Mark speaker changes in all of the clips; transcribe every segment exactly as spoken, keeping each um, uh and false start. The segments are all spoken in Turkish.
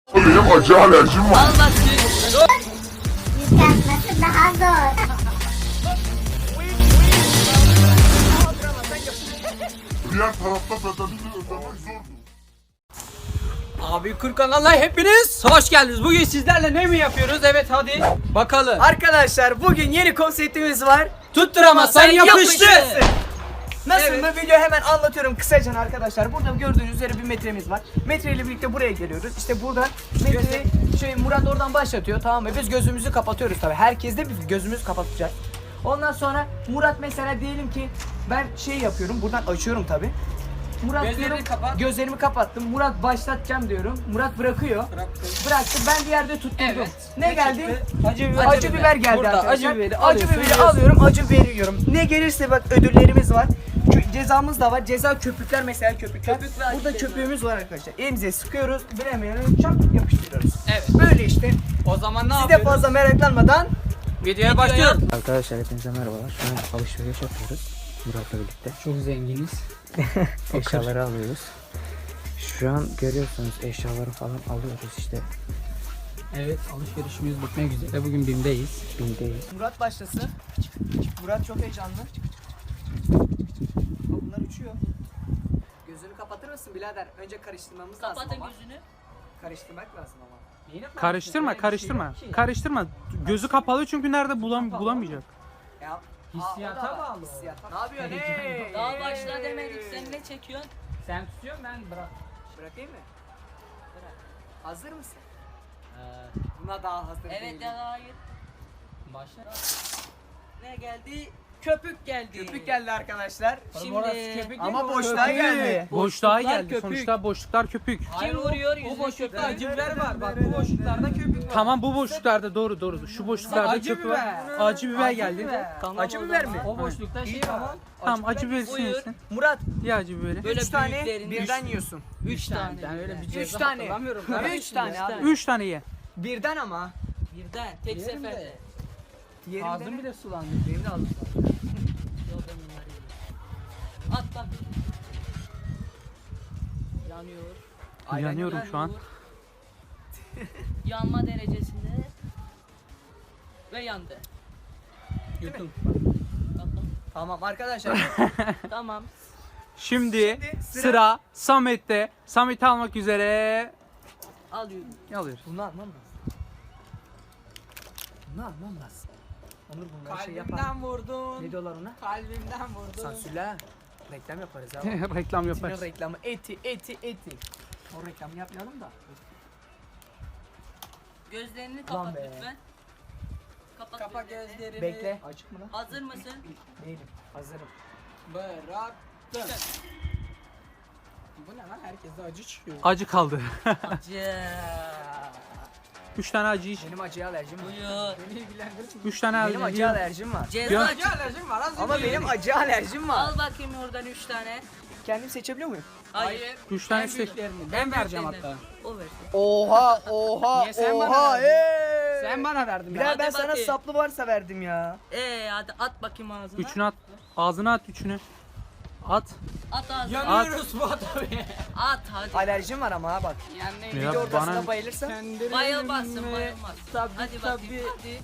Speaker 1: Benim acı alerjim var.
Speaker 2: Al bak süt.
Speaker 3: Yıkatması daha zor.
Speaker 1: Diğer tarafta bedelini ödemek zordu.
Speaker 4: Abi Kır kanalına hepiniz hoş geldiniz. Bugün sizlerle ne mi yapıyoruz? Evet hadi bakalım.
Speaker 5: Arkadaşlar bugün yeni konseptimiz var.
Speaker 4: Tutturamazsan yapıştı.
Speaker 5: Nasıl
Speaker 4: Evet.
Speaker 5: mı? Video hemen anlatıyorum kısaca arkadaşlar. Burada gördüğünüz üzere bir metremiz var. Metreyle birlikte buraya geliyoruz. İşte burada metreyi şey Murat oradan başlatıyor, tamam mı? Biz gözümüzü kapatıyoruz tabii. Herkes de biz gözümüzü kapatacak. Ondan sonra Murat mesela diyelim ki ben şey yapıyorum. Buradan açıyorum tabii. Murat
Speaker 4: Gözlerini
Speaker 5: diyorum,
Speaker 4: kapat.
Speaker 5: gözlerimi kapattım. Murat başlatacağım diyorum. Murat bırakıyor.
Speaker 4: Bıraktım.
Speaker 5: Bıraktı. Ben bir yerde tutturdum.
Speaker 4: Evet.
Speaker 5: Ne geldi?
Speaker 4: çıktı? Acı biber.
Speaker 5: Acı biber geldi
Speaker 4: Burada
Speaker 5: arkadaşlar.
Speaker 4: acı biberi
Speaker 5: acı
Speaker 4: alıyorsun,
Speaker 5: biberi
Speaker 4: yiyorsun.
Speaker 5: alıyorum, acı veriyorum. Ne gelirse bak ödüllerimiz var. Kö- cezamız da var. Ceza köpükler mesela köpükler.
Speaker 2: Köpük ve acı
Speaker 5: Burada
Speaker 2: ceza.
Speaker 5: köpüğümüz var arkadaşlar. Elimize sıkıyoruz, bilemiyorum, çap yapıştırıyoruz.
Speaker 4: Evet.
Speaker 5: Böyle işte.
Speaker 4: O zaman ne
Speaker 5: Siz de
Speaker 4: yapıyoruz?
Speaker 5: fazla meraklanmadan
Speaker 4: Videoya başlıyoruz.
Speaker 6: Arkadaşlar hepinize merhabalar. Şu an alışveriş yapıyoruz Murat'la birlikte.
Speaker 4: Çok zenginiz.
Speaker 6: Eşyaları alıyoruz. Şu an görüyorsunuz eşyaları falan alıyoruz işte.
Speaker 4: Evet, alışverişimiz bitmek üzere. Bugün BİM'deyiz.
Speaker 6: Bindeyiz.
Speaker 5: Murat başlasın. Murat çok heyecanlı. Bak bunlar uçuyor. Gözünü kapatır mısın birader? Önce karıştırmamız lazım
Speaker 2: Kapatın
Speaker 5: ama.
Speaker 2: gözünü.
Speaker 5: Karıştırmak lazım ama.
Speaker 7: Karıştırma, karıştırma. Karıştırma. Gözü kapalı çünkü nerede bulam bulamayacak.
Speaker 5: Ya,
Speaker 4: Hissiyata
Speaker 5: aa, o da var,
Speaker 4: bağlı.
Speaker 5: hissiyata. Ne yapıyorsun? Hey?
Speaker 2: Daha
Speaker 5: Hey.
Speaker 2: başla demedik. Sen ne çekiyorsun?
Speaker 4: Sen tutuyorsun, ben bırak.
Speaker 5: Bırakayım mı?
Speaker 2: Bırak.
Speaker 5: Hazır mısın?
Speaker 4: Ee,
Speaker 5: Buna daha hazır
Speaker 2: Evet
Speaker 5: değilim.
Speaker 2: ya hayır.
Speaker 4: başla.
Speaker 2: Ne geldi? Köpük geldi.
Speaker 5: Köpük geldi arkadaşlar.
Speaker 2: Şimdi
Speaker 5: Ama boşluğa geldi.
Speaker 7: Boşluğa
Speaker 4: Boşluklar
Speaker 7: geldi.
Speaker 4: köpük.
Speaker 7: Sonuçta boşluklar köpük.
Speaker 4: Hayır,
Speaker 2: Kim vuruyor
Speaker 4: o,
Speaker 2: yüzüne
Speaker 4: o boşlukta
Speaker 2: köpüğü?
Speaker 4: acı biber var. Bak bu boşluklarda köpük var.
Speaker 7: Tamam bu boşluklarda doğru doğru. Şu boşluklarda
Speaker 4: Acı
Speaker 7: köpük var.
Speaker 4: biber.
Speaker 7: Acı biber geldi.
Speaker 4: Tamam,
Speaker 5: Acı
Speaker 4: o
Speaker 5: biber
Speaker 4: zaman.
Speaker 5: mi?
Speaker 4: O boşlukta şey var.
Speaker 7: Tamam acı
Speaker 2: Buyur.
Speaker 7: bibersin yesin.
Speaker 5: Murat,
Speaker 7: Ye acı biberi.
Speaker 2: Böyle
Speaker 5: üç tane
Speaker 2: büyüklerini-
Speaker 5: birden yiyorsun.
Speaker 2: Üç tane.
Speaker 4: Ben öyle bir
Speaker 5: Üç
Speaker 4: ceza
Speaker 5: tane.
Speaker 4: hatırlamıyorum.
Speaker 5: Üç tane abi.
Speaker 7: Üç tane ye.
Speaker 5: Birden ama.
Speaker 2: Birden. Tek
Speaker 4: Yerim de.
Speaker 2: seferde.
Speaker 5: Yerimde
Speaker 4: Ağzım
Speaker 5: ne?
Speaker 4: bile sulandı.
Speaker 5: Benim de ağzım.
Speaker 2: Yok ben bunları yedim. At bak. Yanıyor.
Speaker 7: Yanıyorum şu an.
Speaker 2: Yanma derecesinde. Ve yandı.
Speaker 4: Yutun.
Speaker 2: Bakalım.
Speaker 5: Tamam arkadaşlar.
Speaker 2: Tamam.
Speaker 7: Şimdi
Speaker 5: Şimdi sıra-
Speaker 7: sıra Samet'te. Samet'i almak üzere
Speaker 2: Alıyorum.
Speaker 7: alıyoruz.
Speaker 5: Bunu almam lazım. Bunu almam lazım. Onur bunları şey yapar.
Speaker 4: Kalbimden vurdun.
Speaker 5: Ne diyorlar ona?
Speaker 4: Kalbimden vurdun.
Speaker 5: Sansürle ha. Reklam yaparız abi.
Speaker 7: Reklam
Speaker 5: Etinin
Speaker 7: yaparız.
Speaker 5: reklamı eti eti eti. O reklamı yapmayalım da.
Speaker 2: Gözlerini
Speaker 5: Ulan
Speaker 2: kapat
Speaker 5: be.
Speaker 2: lütfen. Kapat
Speaker 4: Kapa
Speaker 2: gözlerini.
Speaker 4: gözlerini.
Speaker 5: Bekle. Açık mı lan?
Speaker 2: Hazır mısın?
Speaker 5: Değilim. Hazırım.
Speaker 4: Bıraktım. Bu ne lan? Herkeste acı çıkıyor.
Speaker 7: Acı kaldı.
Speaker 2: Acı.
Speaker 7: Üç tane acı iç.
Speaker 5: Benim acıya alerjim var.
Speaker 2: Buyur.
Speaker 4: Beni ilgilendirir mi?
Speaker 7: Üç tane
Speaker 5: Benim
Speaker 7: acı.
Speaker 5: acıya alerjim var.
Speaker 2: Ceza.
Speaker 7: Ya.
Speaker 4: Acı alerjim var. Az
Speaker 5: Ama
Speaker 4: önce
Speaker 5: benim
Speaker 4: yedim.
Speaker 5: acıya alerjim var.
Speaker 2: Al bakayım oradan üç tane.
Speaker 5: Kendim seçebiliyor muyum?
Speaker 2: Hayır.
Speaker 7: Üç tane
Speaker 4: En
Speaker 7: seç.
Speaker 4: büyüklerini. Ben vereceğim hatta.
Speaker 2: O versin.
Speaker 5: Oha oha
Speaker 4: Niye sen bana
Speaker 5: oha
Speaker 4: verdin?
Speaker 5: eee.
Speaker 4: Sen bana verdin.
Speaker 5: Bilal
Speaker 2: Hadi
Speaker 5: ben sana
Speaker 2: bakayım.
Speaker 5: saplı varsa verdim ya.
Speaker 2: Ee hadi at bakayım ağzına.
Speaker 7: Üçünü at. Ağzına at üçünü. At.
Speaker 2: At ağzına.
Speaker 4: Yanıyoruz bu adamı.
Speaker 2: At hadi.
Speaker 5: Alerjim var ama ha bak.
Speaker 4: Yani
Speaker 7: Ya
Speaker 5: Bir de ortasına
Speaker 7: bana-
Speaker 5: bayılırsa.
Speaker 2: Bayılmazsın bayılmaz.
Speaker 4: Tabii,
Speaker 2: Hadi
Speaker 4: tabii.
Speaker 2: bakayım hadi.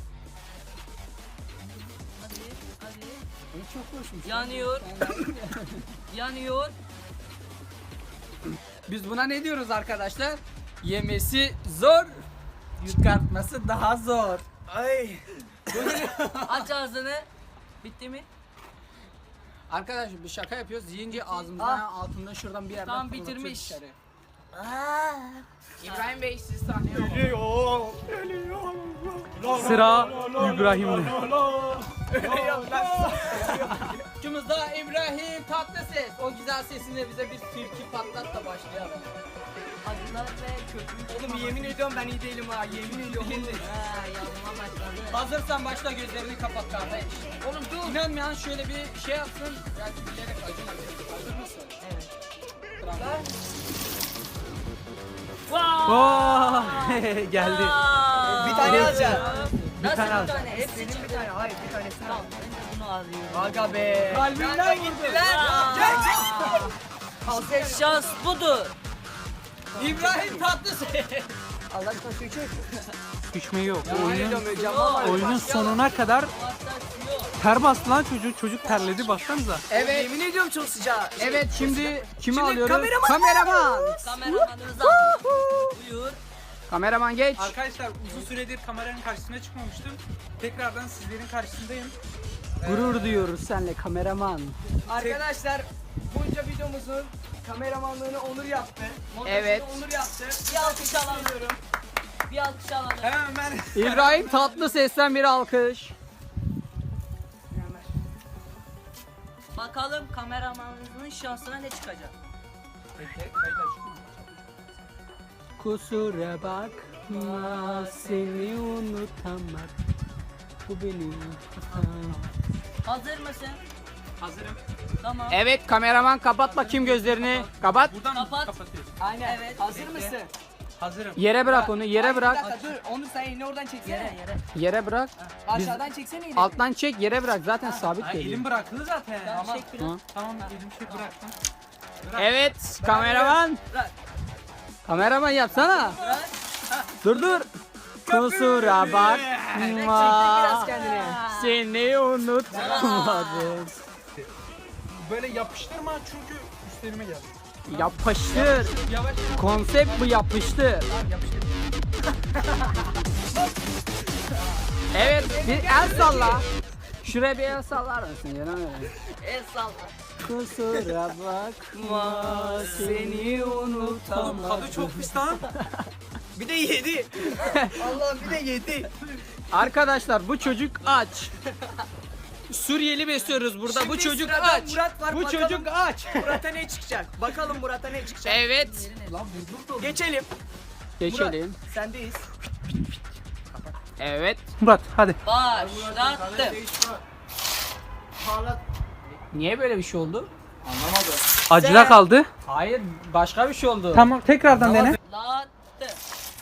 Speaker 2: Hadi hadi.
Speaker 4: Bu çok hoşmuş.
Speaker 2: Yanıyor. Yanıyor.
Speaker 4: Biz buna ne diyoruz arkadaşlar? Yemesi zor, çıkartması daha zor.
Speaker 5: Ay.
Speaker 2: Aç ağzını. Bitti mi?
Speaker 4: Arkadaşlar bir şaka yapıyoruz. Yiyince ağzımızdan altında şuradan bir yerden
Speaker 2: Tam
Speaker 4: fırlatıyor
Speaker 2: bitirmiş.
Speaker 4: dışarı. İbrahim Bey siz sahneye alın.
Speaker 7: Sıra İbrahim'de.
Speaker 4: Ucumuzda İbrahim Tatlıses. O güzel sesinde bize bir türkü patlat da başlayalım.
Speaker 2: Acılar ve köpük.
Speaker 5: Oğlum yemin ediyorum ben iyi değilim ha. Yemin ediyorum.
Speaker 2: Ha yanma başladı.
Speaker 4: Hazırsan başla, gözlerini kapat kardeş. Oğlum dur. İnanmayan şöyle bir şey yapsın. Belki bilerek acımasın. Hazır mısın?
Speaker 2: Evet.
Speaker 4: Bravo.
Speaker 7: Oo, geldi.
Speaker 2: Aa!
Speaker 5: Bir tane alacağım.
Speaker 2: Nasıl
Speaker 7: tane
Speaker 2: bir
Speaker 7: al.
Speaker 2: tane? Hepsi
Speaker 5: Senin bir
Speaker 2: çıktı.
Speaker 5: tane. Hayır bir tanesini al.
Speaker 2: Tamam ben de bunu alıyorum.
Speaker 5: Aga be.
Speaker 4: Kalbimden gitti
Speaker 2: Aa! Şans budur.
Speaker 4: İbrahim Tatlıses.
Speaker 5: Allah aşkına su içecek.
Speaker 7: Düşme yok.
Speaker 5: Oyun
Speaker 7: Oyunun,
Speaker 5: ediyorum vallahi.
Speaker 7: oyunun sonuna kadar ter bastı lan çocuk. Çocuk terledi baksanıza.
Speaker 5: Evet. Yemin ediyorum çok sıcak.
Speaker 4: Evet şimdi kimi
Speaker 5: Şimdi
Speaker 4: alıyoruz?
Speaker 5: kameraman
Speaker 4: Kameraman.
Speaker 2: Kameramanımızı alıyoruz. Buyur.
Speaker 4: Kameraman geç.
Speaker 7: Arkadaşlar uzun süredir kameranın karşısına çıkmamıştım. Tekrardan sizlerin karşısındayım.
Speaker 4: Gurur duyuyoruz senle kameraman.
Speaker 5: Arkadaşlar bunca videomuzun kameramanlığını Onur yaptı. Montajını
Speaker 4: Evet.
Speaker 5: Onur yaptı.
Speaker 2: Bir alkış alalım. Bir alkış alalım.
Speaker 7: Hemen ben...
Speaker 4: İbrahim Tatlıses'ten bir alkış.
Speaker 2: Bakalım kameramanımızın şansına ne çıkacak.
Speaker 4: Kusura bakma seni unutamadım. Bu benim hatam.
Speaker 2: Hazır mısın?
Speaker 7: Hazırım.
Speaker 2: Tamam.
Speaker 4: Evet kameraman kapat bakayım gözlerini. Kapat.
Speaker 7: Buradan
Speaker 2: Kapat.
Speaker 7: kapatıyoruz.
Speaker 5: Aynen.
Speaker 2: Evet.
Speaker 5: Hazır
Speaker 7: Bekle.
Speaker 5: mısın?
Speaker 7: Hazırım.
Speaker 4: Yere bırak onu, yere
Speaker 5: Ay,
Speaker 4: bırak.
Speaker 5: Bir dakika dur. Onur sen elini oradan çeksene.
Speaker 2: Yere yere.
Speaker 4: Yere bırak.
Speaker 5: Aşağıdan çeksene yine.
Speaker 4: Alttan çek, yere bırak. Zaten sabit
Speaker 7: Ay,
Speaker 4: değil.
Speaker 7: elim bırakılı zaten.
Speaker 2: Tamam.
Speaker 7: Tamam,
Speaker 2: Çek biraz.
Speaker 4: Hı.
Speaker 7: tamam elim şey bıraktım.
Speaker 4: Evet kameraman.
Speaker 2: Bırak.
Speaker 4: Kameraman yapsana.
Speaker 2: Bırak.
Speaker 4: Dur dur. Kusura
Speaker 5: Biraz
Speaker 4: bakma
Speaker 5: kendine.
Speaker 4: seni unutamadım.
Speaker 7: Böyle yapıştırma çünkü üstlerime geldi.
Speaker 4: Yapıştır.
Speaker 7: Yavaş.
Speaker 4: Konsept bu yapıştır. Evet bir el salla. Şuraya bir el sallar mısın canım benim?
Speaker 2: El salla.
Speaker 4: Kusura bakma seni
Speaker 7: Oğlum
Speaker 4: unutamadım.
Speaker 7: tadı çok pis lan.
Speaker 5: Bir de yedi. Allah'ım bir de yedi.
Speaker 4: Arkadaşlar bu çocuk aç. Suriyeli besliyoruz burada.
Speaker 5: Şimdi
Speaker 4: bu çocuk
Speaker 5: sırada
Speaker 4: aç.
Speaker 5: Murat var,
Speaker 4: bu
Speaker 5: bakalım.
Speaker 4: çocuk aç.
Speaker 5: Murat'a ne çıkacak? Bakalım Murat'a ne çıkacak?
Speaker 4: Evet.
Speaker 5: Geçelim.
Speaker 4: Geçelim.
Speaker 5: Murat, sendeyiz.
Speaker 4: Evet.
Speaker 7: Murat hadi.
Speaker 2: Başlattım.
Speaker 4: Niye böyle bir şey oldu?
Speaker 7: Acıda
Speaker 5: Sen-
Speaker 7: kaldı.
Speaker 4: Hayır, başka bir şey oldu.
Speaker 7: Tamam tekrardan dene.
Speaker 2: Lattı.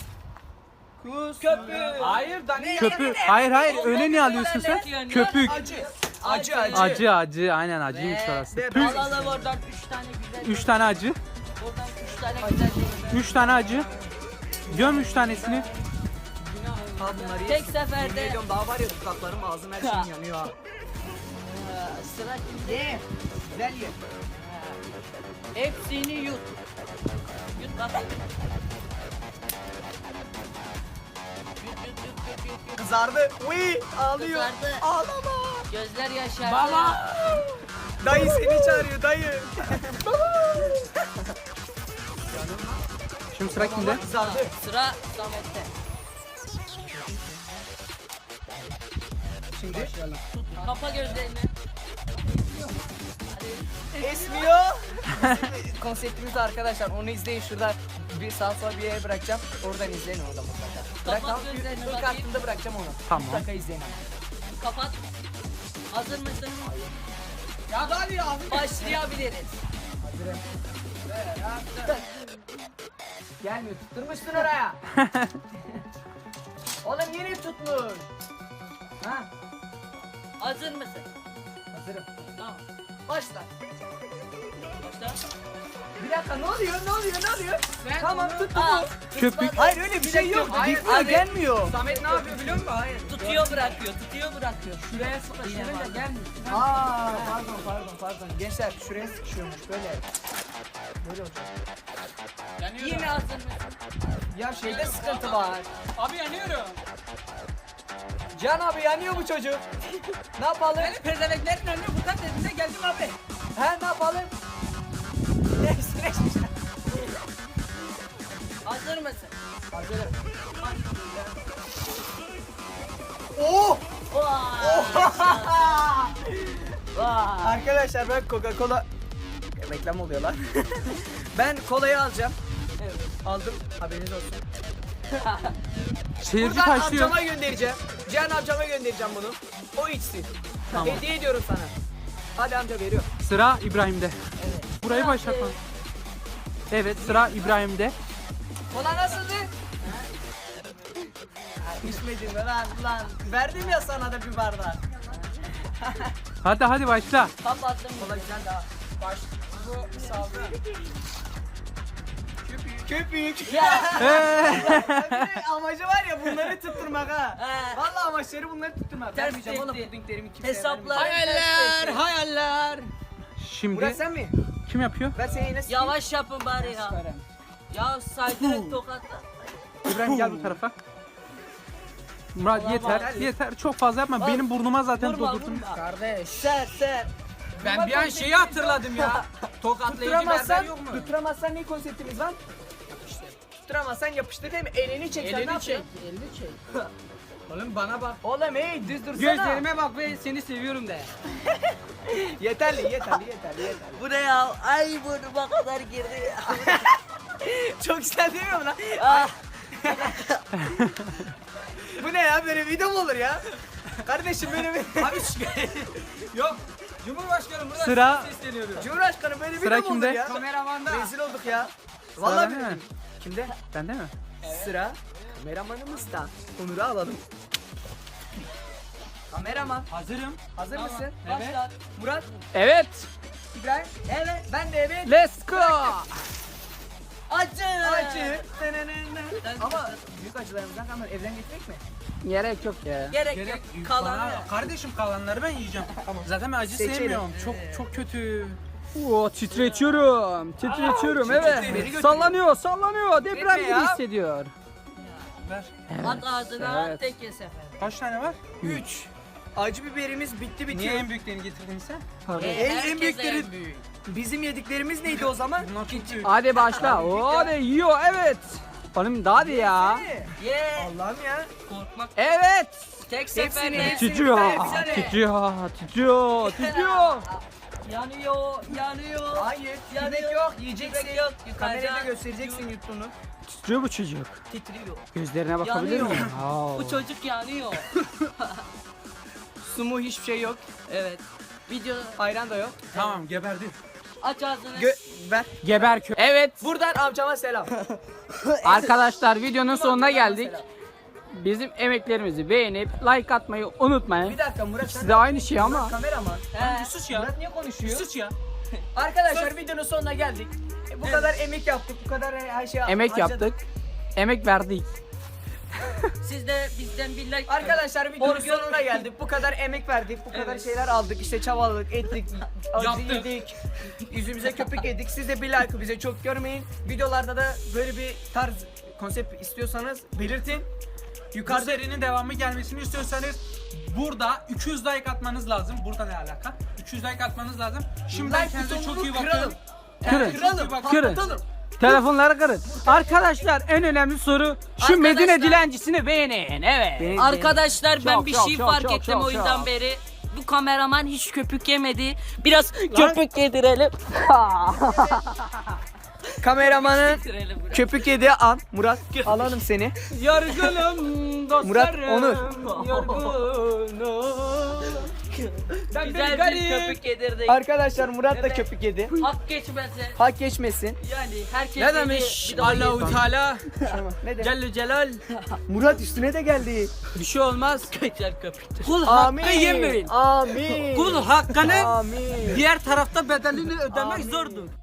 Speaker 5: Köpük.
Speaker 4: Hayır da ne?
Speaker 7: Köpük. Hayır hayır öne ne alıyorsun sen? Köpük.
Speaker 5: Acı. Acı acı.
Speaker 7: Acı acı aynen acıymış orası.
Speaker 5: Ve-
Speaker 7: Püh.
Speaker 2: Alalım oradan üç tane güzel.
Speaker 7: Üç tane acı.
Speaker 2: Oradan üç tane güzel.
Speaker 7: Üç tane acı. Göm üç tanesini.
Speaker 5: Ha bunları
Speaker 2: Tek
Speaker 5: yesin.
Speaker 2: seferde.
Speaker 5: Yemin ediyorum daha var ya dudaklarım ağzım her şeyim yanıyor ha.
Speaker 2: Ee, Sıra kimde?
Speaker 5: Ye. Güzel ye.
Speaker 2: Hepsini yut. Yut bakayım. Yut yut yut yut yut. yut.
Speaker 5: Kızardı. Uy ağlıyor.
Speaker 2: Kızardı.
Speaker 5: Ağlama.
Speaker 2: Gözler yaşardı.
Speaker 5: Baba. Dayı seni çağırıyor dayı.
Speaker 7: Şimdi sıra kimde?
Speaker 5: Kızardı.
Speaker 2: Sıra Samet'te.
Speaker 5: Şimdi
Speaker 2: Kapa gözlerini.
Speaker 5: esmiyor. Konseptimiz arkadaşlar onu izleyin şurada bir sağ sola bir yere bırakacağım. Oradan izleyin orada mutlaka. Bırak
Speaker 2: Kapat
Speaker 5: tamam.
Speaker 2: gözlerini
Speaker 5: İlk
Speaker 2: bakayım.
Speaker 5: kartında bırakacağım onu.
Speaker 7: Tamam.
Speaker 5: Mutlaka izleyin.
Speaker 2: Kapat. Hazır mısın?
Speaker 5: Ya hadi ya.
Speaker 2: Başlayabiliriz.
Speaker 5: Gelmiyor tutturmuşsun oraya. Oğlum yeni tutmuş. Ha
Speaker 2: Hazır mısın?
Speaker 5: hazırım.
Speaker 2: Tamam.
Speaker 5: Başla.
Speaker 2: Başla.
Speaker 5: Bir dakika ne oluyor ne oluyor ne oluyor? Tamam tuttu
Speaker 2: Aa,
Speaker 5: bu.
Speaker 7: Köpük.
Speaker 5: Hayır öyle bir şey yok.
Speaker 4: Hayır,
Speaker 5: Gitmiyor
Speaker 4: abi.
Speaker 5: gelmiyor.
Speaker 4: Samet ne yapıyor biliyor musun? Hayır.
Speaker 2: tutuyor bırakıyor, tutuyor bırakıyor.
Speaker 4: Şuraya sıkı,
Speaker 2: Yine
Speaker 4: şuraya
Speaker 2: var.
Speaker 4: gelmiyor.
Speaker 5: Aa pardon pardon pardon. Gençler şuraya sıkışıyormuş böyle. Böyle olacak.
Speaker 2: Yine hazır mısın?
Speaker 5: Ya şeyde sıkıntı var.
Speaker 4: Abi yanıyorum.
Speaker 5: Can abi yanıyor bu çocuk. Ne yapalım?
Speaker 4: Pezeveklerin önüne buradan dediğinde geldim abi.
Speaker 5: He ne yapalım? Neyse neyse.
Speaker 2: Hazır mısın?
Speaker 5: Hazırım. Oo!
Speaker 2: Vay.
Speaker 5: Arkadaşlar ben Coca-Cola reklam oluyor lan. Ben kolayı alacağım. Evet, aldım. Haberiniz olsun.
Speaker 7: Seyirci
Speaker 5: Buradan
Speaker 7: taşlıyor.
Speaker 5: amcama göndereceğim. Cihan amcama göndereceğim bunu. O içsin.
Speaker 7: Tamam.
Speaker 5: Hediye ediyorum sana. Hadi amca veriyorum.
Speaker 7: Sıra İbrahim'de. Burayı başlatma. Evet sıra İbrahim'de.
Speaker 5: Kola nasıldı? Ha, İçmedin mi lan lan? Verdim ya sana da bir bardak.
Speaker 7: Hadi hadi başla.
Speaker 2: Kapattım.
Speaker 5: Kola güzel daha. Baş. Bu sağlığı. Köpük.
Speaker 2: Ya.
Speaker 5: Tabii amacı var ya bunları tutturmak ha.
Speaker 2: He.
Speaker 5: Vallahi amaçları bunları tutturmak.
Speaker 2: Ters
Speaker 5: Vermeyeceğim oğlum
Speaker 2: tehdit.
Speaker 5: pudinglerimi kimseye
Speaker 2: Hesaplar.
Speaker 5: vermeyeceğim.
Speaker 4: Hayaller, hayaller.
Speaker 7: Şimdi
Speaker 5: Murat sen mi?
Speaker 7: kim yapıyor?
Speaker 5: Ver seni yine s-
Speaker 2: Yavaş yapın bari ya. Ya saydırın tokatla.
Speaker 7: İbrahim gel bu tarafa. Murat
Speaker 2: Ulan
Speaker 7: yeter,
Speaker 2: bak.
Speaker 7: yeter. Çok fazla yapma. Benim burnuma zaten
Speaker 2: Vurma
Speaker 7: doldurdun.
Speaker 2: vurma.
Speaker 4: Kardeş.
Speaker 2: Ser ser.
Speaker 4: Ben bir an şeyi hatırladım ya. Tokatlayıcı
Speaker 5: Tutturamazsan,
Speaker 4: berber yok mu?
Speaker 5: tutturamazsan ne konseptimiz var? İşte. Tutturamazsan yapıştır değil mi? Elini çek. sen ne
Speaker 4: Elini çek,
Speaker 5: yapıyorsun?
Speaker 4: elini çek. Oğlum bana bak.
Speaker 5: Oğlum hey düz dursana.
Speaker 4: Gözlerime bak ve seni seviyorum de.
Speaker 5: Yeterli yeterli yeterli yeterli.
Speaker 2: Bu ne ya? Ay burnuma kadar girdi.
Speaker 5: Çok güzel değil mi lan?
Speaker 2: Ah.
Speaker 5: Bu ne ya böyle video mu olur ya? Kardeşim böyle bir...
Speaker 4: Abi şu- Yok. Cumhurbaşkanım burada
Speaker 7: Sıra-
Speaker 4: size sesleniyorum.
Speaker 5: Cumhurbaşkanı böyle
Speaker 7: Sıra
Speaker 5: video mu olur
Speaker 7: kimde?
Speaker 5: ya?
Speaker 4: Kameramanda.
Speaker 5: Rezil olduk ya.
Speaker 7: Sıra
Speaker 5: Vallahi
Speaker 7: bende mi?
Speaker 5: billahi. Kimde?
Speaker 7: Bende mi?
Speaker 5: Sıra kameramanımızda. Onur'u alalım. Kameraman
Speaker 4: Hazırım.
Speaker 5: hazır
Speaker 4: Tamam.
Speaker 5: mısın?
Speaker 4: Evet.
Speaker 5: Başla. Murat,
Speaker 7: Evet.
Speaker 5: İbrahim. Evet. Ben de evet.
Speaker 7: Let's go.
Speaker 2: Acı.
Speaker 5: Acı. Ama büyük acılarımızdan kalmadı. Evden getirmek mi?
Speaker 7: Gerek yok ya.
Speaker 2: Gerek,
Speaker 4: Gerek
Speaker 2: yok. Kalan
Speaker 4: Bana-
Speaker 2: ya.
Speaker 4: Kardeşim kalanları ben yiyeceğim. Zaten ben acı
Speaker 5: Seçelim.
Speaker 4: sevmiyorum. Çok çok kötü.
Speaker 7: Oo titretiyorum. Titretiyorum
Speaker 5: evet.
Speaker 7: Sallanıyor, sallanıyor. Deprem
Speaker 5: Etme
Speaker 7: gibi
Speaker 5: ya.
Speaker 7: hissediyor.
Speaker 4: Ver.
Speaker 2: At ağzına
Speaker 7: evet.
Speaker 2: tek ye sefer.
Speaker 4: Kaç tane var?
Speaker 5: Üç. Acı biberimiz bitti bitiyor.
Speaker 4: Niye en büyüklerini getirdin sen?
Speaker 2: E,
Speaker 5: En, en
Speaker 2: herkese
Speaker 5: büyükleri
Speaker 2: en büyük.
Speaker 5: bizim yediklerimiz neydi o zaman?
Speaker 4: Bunlar çok büyük.
Speaker 7: Hadi başla. Oo, hadi yiyor evet. Oğlum daha hadi ya.
Speaker 2: Ye.
Speaker 5: Allah'ım ya.
Speaker 2: Korkmak.
Speaker 7: Evet.
Speaker 2: Tek
Speaker 5: Hepsini,
Speaker 2: seferde.
Speaker 5: hepsini.
Speaker 7: Titriyor,
Speaker 5: Hepsini.
Speaker 7: titriyor, titriyor, titriyor.
Speaker 2: Yanıyor, yanıyor.
Speaker 5: Hayır.
Speaker 2: Yanıyor.
Speaker 5: Yemek yok. Yiyeceksin.
Speaker 2: Yemek yok,
Speaker 5: Kamerada
Speaker 2: yıkayacağım.
Speaker 5: göstereceksin yuttuğunu.
Speaker 7: Titriyor bu çocuk.
Speaker 2: Titriyor.
Speaker 7: Gözlerine bakabilir
Speaker 2: Yanıyor.
Speaker 7: miyim? Oo.
Speaker 2: Bu çocuk yanıyor.
Speaker 5: Su mu hiçbir şey yok.
Speaker 2: Evet. Video
Speaker 5: Ayran da yok.
Speaker 4: Tamam geberdi.
Speaker 2: aç ağzını.
Speaker 5: Gö ver.
Speaker 7: Geber kö. Evet.
Speaker 5: Buradan amcama selam.
Speaker 7: Arkadaşlar videonun sonuna geldik. Bizim emeklerimizi beğenip like atmayı unutmayın.
Speaker 5: Bir dakika Murat sen
Speaker 7: Siz de aynı şey ama.
Speaker 5: kameraman.
Speaker 2: He.
Speaker 4: Sus ya.
Speaker 5: Murat niye konuşuyor?
Speaker 4: Sus ya.
Speaker 5: Arkadaşlar videonun sonuna geldik. E, bu kadar emek yaptık, bu kadar her şey
Speaker 7: Emek
Speaker 5: harcadık.
Speaker 7: yaptık. Emek verdik.
Speaker 2: Siz de bizden bir like.
Speaker 5: Arkadaşlar videonun
Speaker 2: Orgül-
Speaker 5: sonuna geldik. Bu kadar emek verdik, bu kadar
Speaker 2: Evet.
Speaker 5: şeyler aldık. İşte çabaladık, ettik, acı
Speaker 4: Yaptık.
Speaker 5: yedik. Yüzümüze köpük yedik. Siz de bir like bize çok görmeyin. Videolarda da böyle bir tarz konsept istiyorsanız belirtin.
Speaker 4: Bu
Speaker 5: Yukarıda
Speaker 4: serinin devamı gelmesini istiyorsanız burada iki yüz like atmanız lazım. Burada ne alaka? iki yüz like atmanız lazım. Şimdiden
Speaker 5: like
Speaker 4: kendinize çok
Speaker 5: butonunu
Speaker 4: iyi bakın.
Speaker 5: kıralım.
Speaker 7: Kırın.
Speaker 5: Kıralım,
Speaker 7: Kırın.
Speaker 5: patlatalım.
Speaker 7: Telefonları kırın. Arkadaşlar en önemli soru şu
Speaker 2: Arkadaşlar-
Speaker 7: Medine dilencisini beğenin. Evet.
Speaker 2: Arkadaşlar ben
Speaker 7: Çok,
Speaker 2: bir
Speaker 7: çok,
Speaker 2: şey
Speaker 7: çok,
Speaker 2: fark
Speaker 7: çok,
Speaker 2: ettim
Speaker 7: çok,
Speaker 2: o yüzden
Speaker 7: çok.
Speaker 2: beri. Bu kameraman hiç köpük yemedi. Biraz köpük yedirelim.
Speaker 5: Kameramanın
Speaker 2: Yedirelim biraz.
Speaker 5: köpük yediği an. Murat alalım seni.
Speaker 7: Yorgunum dostlarım.
Speaker 5: Murat, Onur.
Speaker 7: Yorgunum. Ben
Speaker 2: Güzel bir
Speaker 7: garip.
Speaker 2: köpük yedirdik.
Speaker 5: Arkadaşlar Murat da
Speaker 2: Evet.
Speaker 5: köpük yedi.
Speaker 2: Hak geçmese.
Speaker 5: Hak geçmesin.
Speaker 2: Yani herkes
Speaker 4: Ne
Speaker 2: yedi,
Speaker 4: demiş
Speaker 2: bir daha
Speaker 4: Allahu
Speaker 2: yedi.
Speaker 4: Teala?
Speaker 5: Ne de?
Speaker 4: Celle Celal.
Speaker 5: Murat üstüne de geldi.
Speaker 4: Bir şey olmaz.
Speaker 2: Güzel köpüktür.
Speaker 4: Kul
Speaker 5: Amin.
Speaker 4: hakkı yemeyin.
Speaker 5: Amin.
Speaker 4: Kul hakkını
Speaker 5: Amin.
Speaker 4: diğer tarafta bedelini ödemek
Speaker 5: Amin.
Speaker 4: zordur.